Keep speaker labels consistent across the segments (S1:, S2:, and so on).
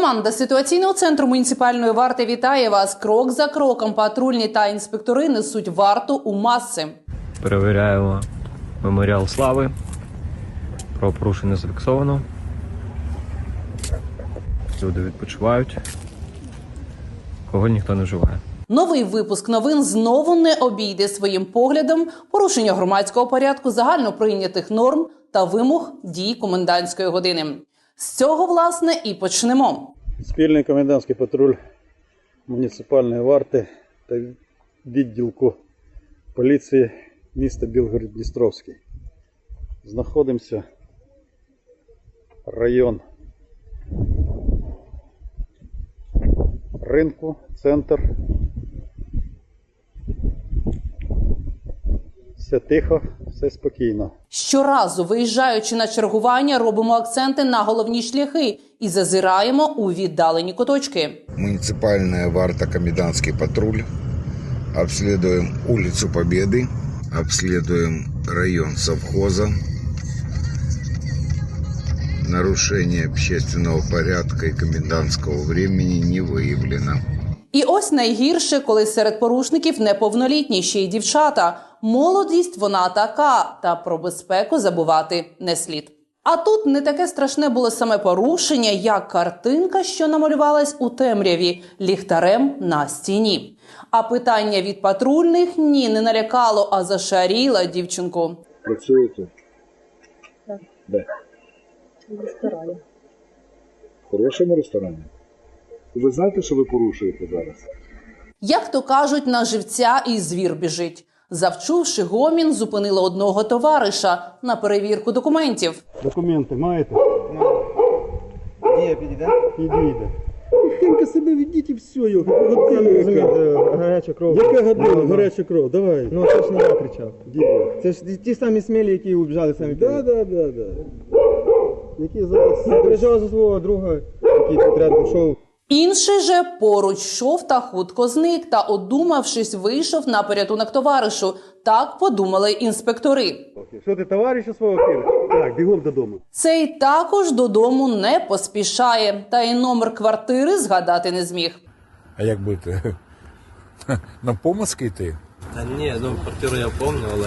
S1: Команда ситуаційного центру муніципальної варти вітає вас. Крок за кроком патрульні та інспектори несуть варту у маси.
S2: Перевіряємо меморіал слави. Правопорушення зафіксовано. Люди відпочивають. Кого ніхто не вживає.
S1: Новий випуск новин знову не обійде своїм поглядом порушення громадського порядку, загальноприйнятих норм та вимог дій комендантської години. З цього, власне, і почнемо.
S3: Спільний комендантський патруль муніципальної варти та відділку поліції міста Білгород-Дністровський. Знаходимося район ринку, центр. Все тихо, все спокійно.
S1: Щоразу, виїжджаючи на чергування, робимо акценти на головні шляхи і зазираємо у віддалені куточки.
S4: Муниципальная варта, комендантский патруль. Обследуем улицу Победы, обследуем район совхоза. Нарушение общественного порядка и комендантского времени не выявлено.
S1: І ось найгірше, коли серед порушників неповнолітні, ще й дівчата. Молодість вона така, та про безпеку забувати не слід. А тут не таке страшне було саме порушення, як картинка, що намалювалась у темряві ліхтарем на стіні. А питання від патрульних ні, не налякало, а зашаріло дівчинку.
S5: Працюєте?
S6: Так.
S5: Де?
S6: В ресторані.
S5: В хорошому ресторані? Ви знаєте, що ви порушуєте зараз?
S1: Як то кажуть, на живця і звір біжить. Завчувши гомін, зупинила одного товариша на перевірку документів.
S3: Документи маєте?
S7: Дія підійде?
S3: Підійде. Тільки себе ведіть і все.
S7: Гаряча кров.
S3: Яка година? Гаряча кров, давай.
S7: Ну це ж не я кричав.
S3: Діє.
S7: Це ж ті самі смілі, які убіжали самі.
S3: Да. Які зараз...
S7: Я переживав за свого друга, який тут рядом йшов.
S1: Інший же поруч йшов та хутко зник, та, одумавшись, вийшов на порятунок товаришу. Так подумали інспектори.
S3: Що ти товариша свого кинеш? Так, бігом додому.
S1: Цей також додому не поспішає, та й номер квартири згадати не зміг.
S8: А як бути? На помазки йти?
S2: Та ні, квартиру я пам'ятаю, але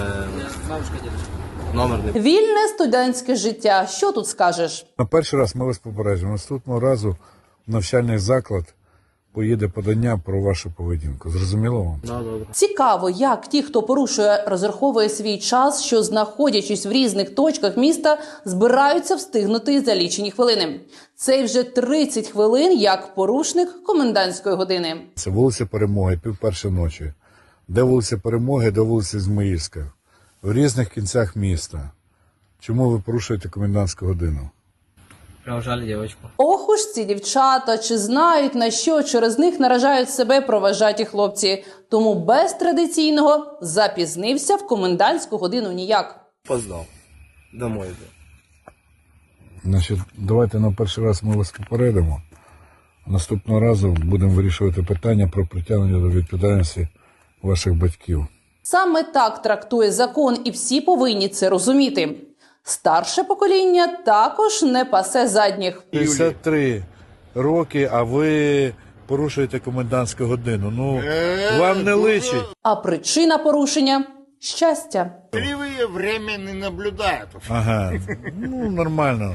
S2: номер не...
S1: Вільне студентське життя. Що тут скажеш?
S8: На перший раз ми вас попереджуємо. Наступного разу в навчальний заклад поїде подання про вашу поведінку. Зрозуміло вам?
S2: Да, добре.
S1: Цікаво, як ті, хто порушує, розраховує свій час, що, знаходячись в різних точках міста, збираються встигнути за лічені хвилини. Цей вже 30 хвилин як порушник комендантської години.
S8: Це вулиця Перемоги, 1:30 ночі. Де вулиця Перемоги, де вулиця Ізмаїльська. В різних кінцях міста. Чому ви порушуєте комендантську годину?
S2: Провожали дівчинку.
S1: Ох уж ці дівчата, чи знають, на що через них наражають себе проважаті хлопці. Тому без традиційного запізнився в комендантську годину ніяк.
S2: Поздав. Домой йду.
S8: Значить, давайте на перший раз ми вас попередимо. Наступного разу будемо вирішувати питання про притягнення до відповідальності ваших батьків.
S1: Саме так трактує закон, і всі повинні це розуміти. Старше покоління також не пасе задніх.
S8: 53 роки, а ви порушуєте комендантську годину. Ну, вам не личить.
S1: А причина порушення – щастя.
S4: Кривые время не наблюдают.
S8: Ага, ну нормально.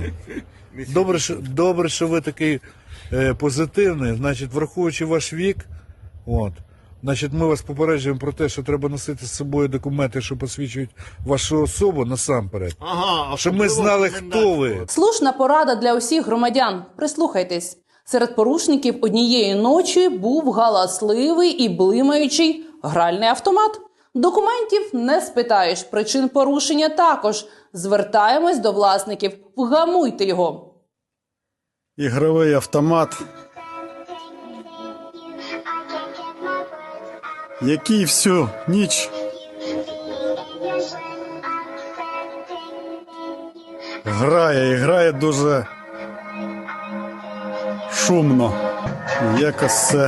S8: Добре, що ви такий позитивний. Значить, враховуючи ваш вік, значить, ми вас попереджуємо про те, що треба носити з собою документи, що посвідчують вашу особу насамперед.
S4: Ага,
S8: щоб ми знали, хто ви.
S1: Слушна порада для усіх громадян. Прислухайтесь. Серед порушників однієї ночі був галасливий і блимаючий гральний автомат. Документів не спитаєш, причин порушення також. Звертаємось до власників. Вгамуйте його.
S3: Ігровий автомат, який всю ніч грає дуже шумно. Якось це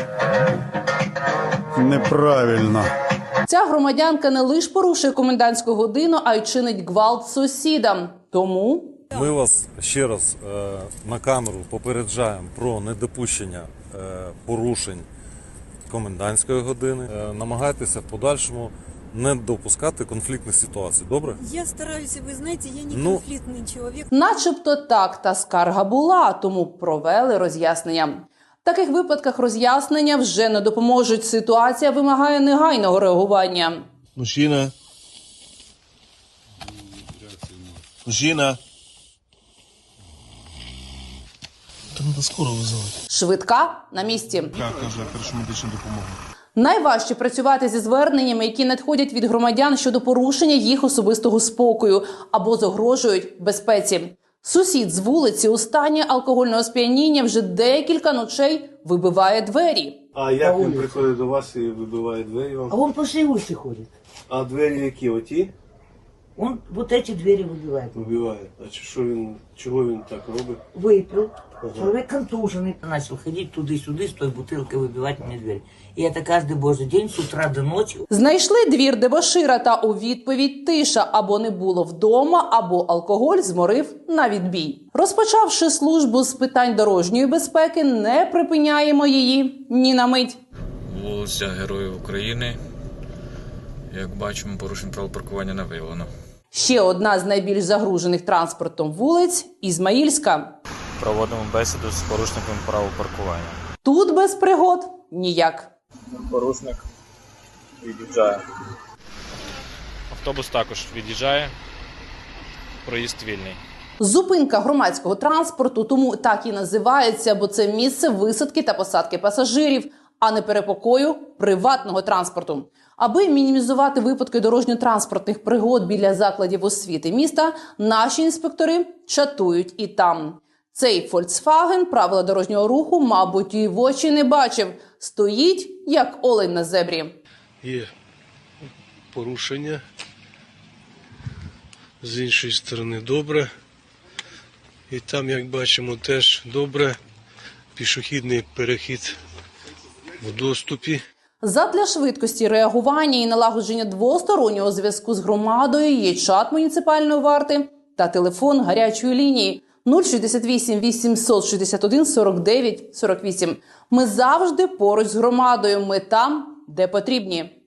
S3: неправильно.
S1: Ця громадянка не лише порушує комендантську годину, а й чинить гвалт сусідам. Тому
S9: Ми вас ще раз на камеру попереджаємо про недопущення порушень комендантської години. Намагайтеся в подальшому не допускати конфліктних ситуацій. Добре?
S10: Я стараюсь, вы знаете, я не
S9: Ну,
S10: конфликтный человек.
S1: Начебто так, та скарга була, тому провели роз'яснення. В таких випадках роз'яснення вже не допоможуть. Ситуація вимагає негайного реагування.
S11: Мужчина. Мужчина. Та треба скоро визивати.
S1: Швидка на місці.
S11: Як каже, першу медичну допомогу.
S1: Найважче працювати зі зверненнями, які надходять від громадян щодо порушення їх особистого спокою або загрожують безпеці. Сусід з вулиці у стані алкогольного сп'яніння вже декілька ночей вибиває двері.
S12: А як він приходить до вас і вибиває двері вам?
S13: А он по всей улице ходит.
S12: А двері які? Оті?
S13: Он вот эти двери выбивает.
S12: Вибиває. А чого він так робить?
S13: Выпил. Человек контуженный. Начал ходить туда-сюда с той бутылкой выбивать мне дверь. И это каждый божий день с утра до ночи.
S1: Знайшли двір дебошира, та у відповідь тиша: або не було вдома, або алкоголь зморив на відбій. Розпочавши службу з питань дорожньої безпеки, не припиняємо її ні на мить.
S14: Вулиця Героїв України. Як бачимо, порушень правил паркування не виявлено.
S1: Ще одна з найбільш загружених транспортом вулиць – Ізмаїльська.
S14: Проводимо бесіду з порушником правил паркування.
S1: Тут без пригод ніяк.
S14: Порушник від'їжджає. Автобус також від'їжджає. Проїзд вільний.
S1: Зупинка громадського транспорту тому так і називається, бо це місце висадки та посадки пасажирів, а не перепокою приватного транспорту. Аби мінімізувати випадки дорожньо-транспортних пригод біля закладів освіти міста, наші інспектори чатують і там. Цей Volkswagen правила дорожнього руху, мабуть, і в очі не бачив. Стоїть, як олень на зебрі.
S12: Є порушення. З іншої сторони добре. І там, як бачимо, теж добре. Пішохідний перехід в доступі.
S1: Задля швидкості реагування і налагодження двостороннього зв'язку з громадою є чат муніципальної варти та телефон гарячої лінії 068 861 49 48. Ми завжди поруч з громадою. Ми там, де потрібні.